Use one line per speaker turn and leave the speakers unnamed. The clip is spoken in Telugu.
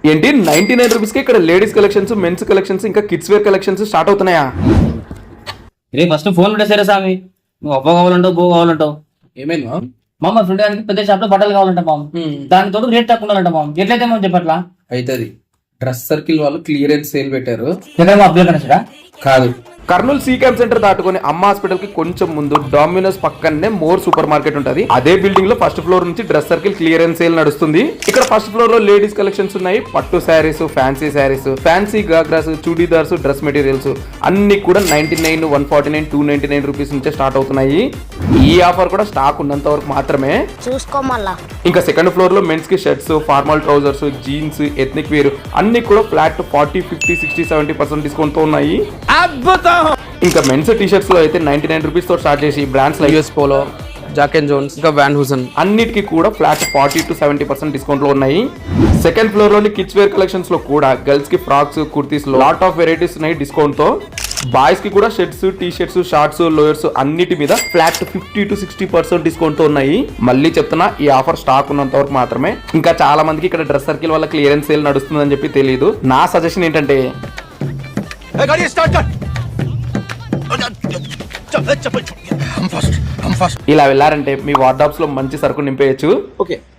ఏంటి 99 రూపీస్ కి ఇక్కడ లేడీస్ కలెక్షన్స్, మెన్స్ కలెక్షన్స్, ఇంకా కిడ్స్ వేర్ కలెక్షన్స్ స్టార్ట్ అవుతున్నాయా?
రే ఫస్ట్ ఫోన్ ఉంటే సరే స్వామి, నువ్వు అబ్బో కావాలంటావు బో కావాలంటావు.
ఏమైంది
మామ ఫ్రెండ్ గారికి పెద్ద షాప్ లో బట్టలు కావాలంట మామ, దాని తోడు రేట్ తక్కువ ఉండాలంట మామ. ఎట్లయితే మనం చెప్పట్లా
అవుతుంది. డ్రెస్ సర్కిల్ వాళ్ళు క్లియరెన్స్ సేల్ పెట్టారు.
ఎక్కడ మా అబ్బాయి కనెక్టా
కాదు,
కర్నూలు సీ క్యాంప్ సెంటర్ దాటుకొని అమ్మ హాస్పిటల్ కి కొంచెం ముందు డామినోస్ పక్కనే మోర్ సూపర్ మార్కెట్ ఉంటది. అదే బిల్డింగ్ లో ఫస్ట్ ఫ్లోర్ నుంచి డ్రెస్ సర్కిల్ క్లియరెన్స్ సేల్ నడుస్తుంది. ఇక్కడ ఫస్ట్ ఫ్లోర్ లో లేడీస్ కలెక్షన్స్ ఉన్నాయి. పట్టు sarees, fancy sarees, fancy ghagras, churidars, dress materials అన్ని కూడా 99, 149, 299 రూపీస్ నుంచే స్టార్ట్ అవుతున్నాయి. ఈ ఆఫర్ కూడా స్టాక్ ఉన్నంత వరకు మాత్రమే
చూసుకోమల్లా.
ఇంకా సెకండ్ ఫ్లోర్ లో మెన్స్ కి shirts, formal trousers, jeans, ethnic wear అన్ని కూడా ఫ్లాట్ 40, 50, 60, 70% డిస్కౌంట్ తో ఉన్నాయి. ఇంకా మెన్స్ టీ షర్ట్స్ లో అయితే 99 రూపీస్ తో స్టార్ట్ చేసి brands like
US Polo, Jack and Jones, ఇంకా వ్యాన్ హూసన్
అన్నిటికీ కూడా ఫ్లాట్ 40 to 70% డిస్కౌంట్ లో ఉన్నాయి. సెకండ్ ఫ్లోర్ లోని కిడ్స్ వేర్ కలెక్షన్స్ లో కూడా గర్ల్స్ కి ఫ్రాక్స్, కుర్తీస్ లో లాట్ ఆఫ్ వెరైటీస్ ఉన్నాయి డిస్కౌంట్ తో. బాయ్స్ కి కూడా shirts, T shirts, shorts, lowers అన్నిటి మీద ఫ్లాట్ 50 to 60% డిస్కౌంట్ తో ఉన్నాయి. మళ్ళీ చెప్తున్నా, ఈ ఆఫర్ స్టాక్ ఉన్నంత వరకు మాత్రమే. ఇంకా చాలా మందికి ఇక్కడ డ్రెస్ సర్కిల్ వల్ల క్లియరెన్స్ సేల్ నడుస్తుందని చెప్పి తెలియదు. నా సజెషన్ ఏంటంటే ఇలా వెళ్ళారంటే మీ వార్డ్రోబ్స్ లో మంచి సరుకు నింపేయచ్చు.
ఓకే.